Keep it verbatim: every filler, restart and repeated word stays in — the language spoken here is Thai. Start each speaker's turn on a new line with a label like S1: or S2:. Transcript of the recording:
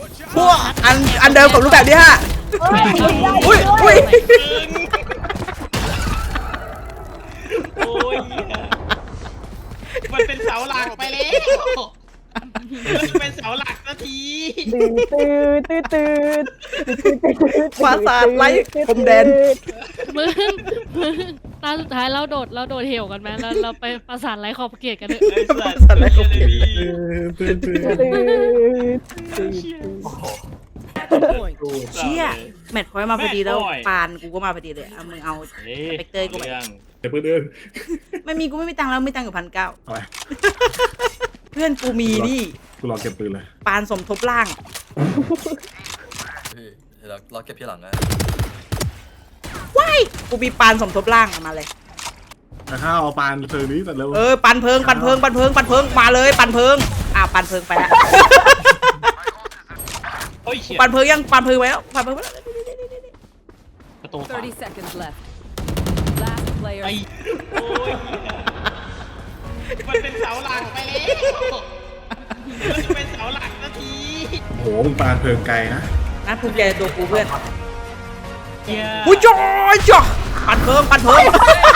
S1: พวกอันอันเดิมกับรูปแบบนี้ฮะอุ้ยอุ้ย
S2: โอ้ยมันเป็นเสาหลักไปแล้วมันเป็นเสาหลักนาที
S3: ตื่นตื่นตื่นตื่น
S1: ปราสาทไร้พรมแดน
S4: มึงมึงตาสุดท้ายเราโดดเราโดดเหวกันไหมแล้วเราไปปราสาทไร้ขอบเขตกันเถอะ
S2: ไอ้สัตว์
S1: สัตว์อะไรของพี่
S5: ตื่นตื่น
S3: ตื่นตื่น
S1: เชี่ยแมทพอยต์มาพอดีแล้วปานกูก็มาพอดีเลยเอามึงเอา
S2: เฮ้ย
S1: สเปกเตอร์กูไป
S2: เรื่อง
S5: เดี๋ยวเพื่อนเดิน
S1: ไม่มีกูไม่มีตังค์แล้วไม่ตังค์กับพันเก้า
S5: เอาไป
S1: เพื่อนกูมีนี่
S5: กูรอเก็บปืนเลย
S1: ปานสมทบล่าง
S6: พี่เดี๋ยวเราเราเก็บที่หลังนะ
S1: ว้ายกูมีปานสมทบล่างมาเลย
S5: แต่ข้าวเอาปานเธอนี้แต่เร็ว
S1: เออปันเพิงปันเพิงปันเพิงปันเพิงมาเลยปันเพิงอ่ะปันเพิงไปแล้ว
S2: โอ้ยเชี่ย
S1: ปันเพิงยังปันเพิงไว้แล้วปันเพิงไว้แล้ว
S2: ประตูขวา
S7: thirty seconds left. Last player.
S2: ไอ้โอ้ยมันเป็นเสาหลักไปแล้วมันเป็นเสาหลักนาที
S5: โอ้โหมึงปานเพลิงไกลนะ
S1: นะภูมิใจในตัวกูเพื่อน
S2: เหี้ย
S1: อุ้ยจอยจ้ะปันเพิงปันเพิง